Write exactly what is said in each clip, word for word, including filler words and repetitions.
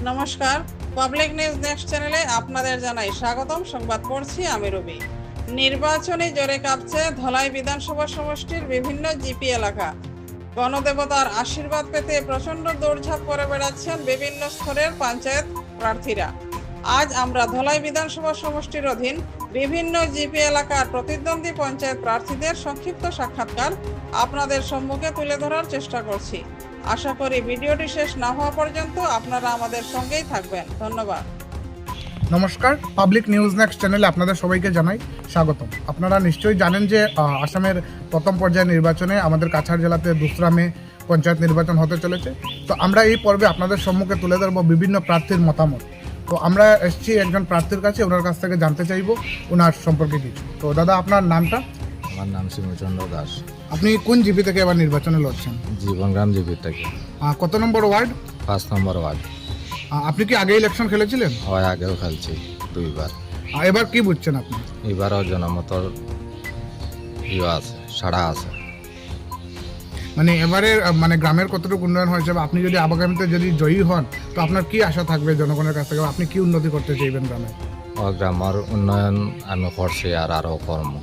নমস্কার, public news next চ্যানেলে আপনাদের জানাই স্বাগতম। সংবাদ পড়ছি আমি রবি। নির্বাচনী জোরে কাঁপছে ধলাই বিধানসভা সমষ্টির বিভিন্ন জিপি এলাকা। গণদেবতার আশীর্বাদ পেতে প্রচণ্ড দৌড়ঝাঁপ করে বেড়াচ্ছেন বিভিন্ন স্তরের পঞ্চায়েত প্রার্থীরা। আজ আমরা ধলাই বিধানসভা সমষ্টির অধীন বিভিন্ন জিপি এলাকার প্রতিদ্বন্দ্বী পঞ্চায়েত প্রার্থীদের সংক্ষিপ্ত সাক্ষাৎকার আপনাদের সম্মুখে তুলে ধরার চেষ্টা করছি। আশা করি ভিডিওটি শেষ না হওয়া পর্যন্ত আপনারা আমাদের সঙ্গেই থাকবেন। ধন্যবাদ। নমস্কার, পাবলিক নিউজ নেক্সট চ্যানেলে আপনাদের সবাইকে জানাই স্বাগতম। আপনারা নিশ্চয়ই জানেন যে আসামের প্রথম পর্যায়ে নির্বাচনে আমাদের কাছাড় জেলাতে দোসরা মে পঞ্চায়েত নির্বাচন হতে চলেছে। তো আমরা এই পর্বে আপনাদের সম্মুখে তুলে ধরব বিভিন্ন প্রার্থীর মতামত। তো আমরা এসেছি একজন প্রার্থীর কাছে, ওনার কাছ থেকে জানতে চাইব ওনার সম্পর্কে কিছু। তো দাদা, আপনার নামটা? আমার নাম শিমুচন্দ্র দাস। আপনি কোন জিপি থেকে এবার নির্বাচনে লড়ছেন? জীবনগ্রাম জিপি থেকে। কত নম্বর ওয়ার্ড? পাঁচ নম্বর ওয়ার্ড। আপনি কি আগে ইলেকশন খেলেছিলেন? হয়, আগেও খেলছি দুইবার। এবার কি বুঝছেন আপনি? এবারও জনমতর ইয়ে আছে, সাড়া আছে। মানে এবারে মানে গ্রামের কতটুকু উন্নয়ন হয়েছে, বা আপনি যদি আগামীতে যদি জয়ী হন তো আপনার কি আশা থাকবে জনগণের কাছ থেকে? আপনি কি উন্নতি করতে চাইবেন গ্রামে? ও গ্রামের উন্নয়ন আমি করছি আর আরও কর্ম।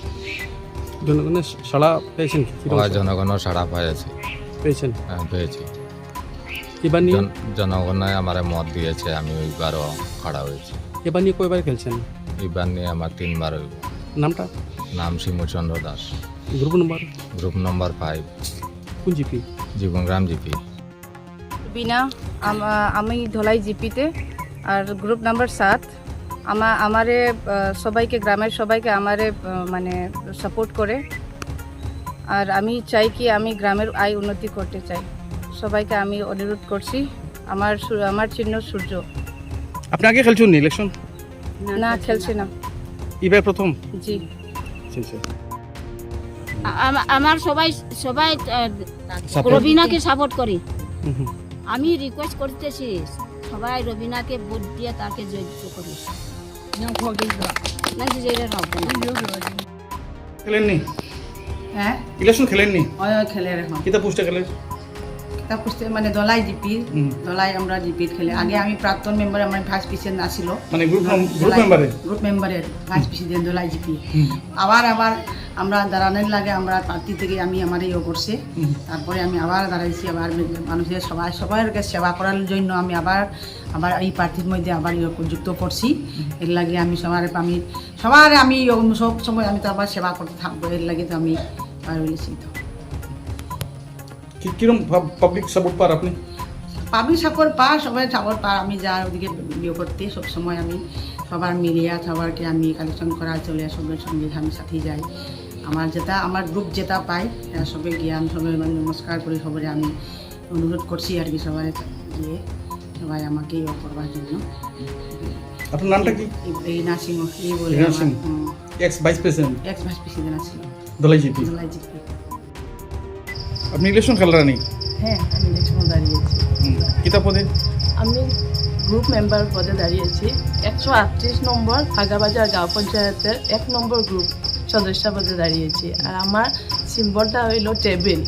জনগণের সাড়া পেয়েছেন? জনগণের সাড়া পেয়েছি পেয়েছেন হ্যাঁ পেয়েছি। এবার নিয়ে জনগণে আমার মত দিয়েছে, আমি ওইবারও খাড়া হয়েছি। এবার নিয়ে কয়বার খেলছেন? এইবার নিয়ে আমার তিনবার হইব। নামটা? নাম Shimuchandra Das. Group number? Group number five. কোন জিপি? জীবনগ্রাম জিপি। বিনা আমি ধলাই জিপিতে, আর গ্রুপ নাম্বার সাত। আমা আমারে সবাইকে, গ্রামের সবাইকে আমারে মানে সাপোর্ট করে, আর আমি চাই কি আমি গ্রামের আয় উন্নতি করতে চাই। সবাইকে আমি অনুরোধ করছি। আমার আমার চিহ্ন সূর্য। আপনি আগে খেলছেন ইলেকশন? না, খেলছি না। এবার প্রথম? জি। আমার সবাই সবাই রবিনাকে সাপোর্ট করি। আমি রিকোয়েস্ট করতেছি সবাই রবিনাকে ভোট দিয়ে তাকে জয়যুক্ত করি। খেলেননি? হ্যাঁ, ইলেকশন খেলেননি? ওই খেলে এখন কিতা পোস্টে খেলে? কিতাব পুস্তক মানে দলাই জিপি, দলাই আমরা জিপি খেলে। আগে আমি প্রাক্তন মেম্বার, আমার ভাইস প্রেসিডেন্ট আসিল, মানে গ্রুপ গ্রুপ মেম্বারে গ্রুপ মেম্বারের ভাইস প্রেসিডেন্ট দলাই জিপি। আবার আবার আমরা দাঁড়ানোর লাগে আমরা পার্টি থেকে আমি আমার ইয়ে করছে, তারপরে আমি আবার দাঁড়াইছি। আবার মানুষের সবাই সবার সেবা করার জন্য আমি আবার আবার এই প্রার্থীর মধ্যে আবার ইয়ে যুক্ত করছি। এর লাগে আমি সবার আমি সবার আমি সব সময় আমি তো আবার সেবা করতে থাকবো। এর লাগে তো আমি বলেছি। তো কিরকম পাবলিক সাপোর্ট পার আপনি? পাবলিক সাপোর্ট পা সবাই সাপোর্ট পা। আমি যা ওদিকে ইয়ে করতে সবসময় আমি সবার মিলিয়া সবারকে আমি কালেকশন করা চলে, সবের সঙ্গে আমি সাথে যাই। আমার যেটা আমার গ্রুপ যেটা পাই সবাই গিয়ে আমি সবাই মানে নমস্কার করি, সবাই আমি অনুরোধ করছি আর কি সবাই গিয়ে সবাই আমাকে ইয়ে করবার জন্য। আপনার নামটা কি? এই নার্সিং এই বলে ex vice president ex vice president আছে দলাই জিপি। দলাই জিপি। আপনি ইলেকশন খেলার নেই? হ্যাঁ, আমি ইলেকশন দাঁড়িয়েছি। কিতা পদে? আমি গ্রুপ মেম্বার পদে দাঁড়িয়েছি। একশো আটত্রিশ নম্বর ফাগাবাজার গাঁও পঞ্চায়েতের এক নম্বর গ্রুপ সদস্য পদে দাঁড়িয়েছি। আর আমার সিম্বলটা হইল টেবিল।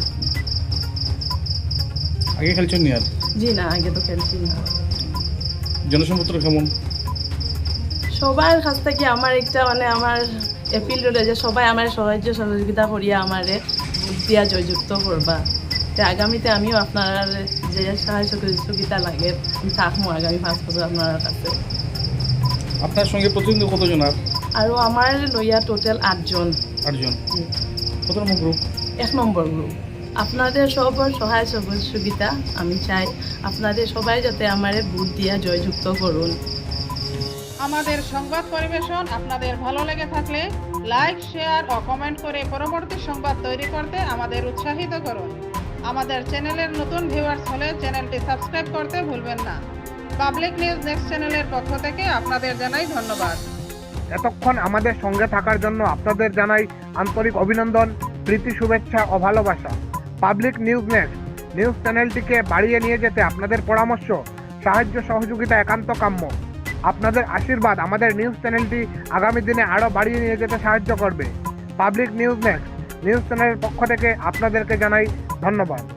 আগে খেলছেন নি? আর জি না, আগে তো খেলছি না। জনসম্পর্ক কেমন? সবার কাছ থেকে আমার একটা মানে আমার এপিল রইল যে সবাই আমার সাহায্য সহযোগিতা করিয়া আমারে ভোট দিয়া জয়যুক্ত করবা। তো আগামীতে আমিও আপনার যে সাহায্য সহযোগিতা লাগে আমি থাকবো আগামী পাঁচ বছর আপনার কাছে। আপনার সঙ্গে প্রতিদ্বন্দ্বী কতজন? আর আৰু আমাৰ লইয়া টোটাল আটজন। আটজন। কত নম্বর গ্রুপ? এক নম্বর গ্রুপ। আপনাদের সবার সহায় সহযোগিতা আমি চাই। আপনাদের সবাই যাতে আমারে ভোট দিয়া জয়যুক্ত করুন। আমাদের সংবাদ পরিবেশন আপনাদের ভালো লেগে থাকলে লাইক, শেয়ার ও কমেন্ট করে পরবর্তী সংবাদ তৈরি করতে আমাদের উৎসাহিত করুন। আমাদের চ্যানেলের নতুন ভিউয়ার্স হলে চ্যানেলটি সাবস্ক্রাইব করতে ভুলবেন না। পাবলিক নিউজ নেক্সট চ্যানেলের পক্ষ থেকে আপনাদের জানাই ধন্যবাদ। এতক্ষণ আমাদের সঙ্গে থাকার জন্য আপনাদের জানাই আন্তরিক অভিনন্দন, প্রীতি, শুভেচ্ছা ও ভালোবাসা। পাবলিক নিউজ নেক্সট নিউজ চ্যানেলটিকে বাড়িয়ে নিয়ে যেতে আপনাদের পরামর্শ, সাহায্য, সহযোগিতা একান্ত কাম্য। আপনাদের আশীর্বাদ আমাদের নিউজ চ্যানেলটি আগামী দিনে আরও বাড়িয়ে নিয়ে যেতে সাহায্য করবে। পাবলিক নিউজ নেক্সট নিউজ চ্যানেলের পক্ষ থেকে আপনাদেরকে জানাই ধন্যবাদ।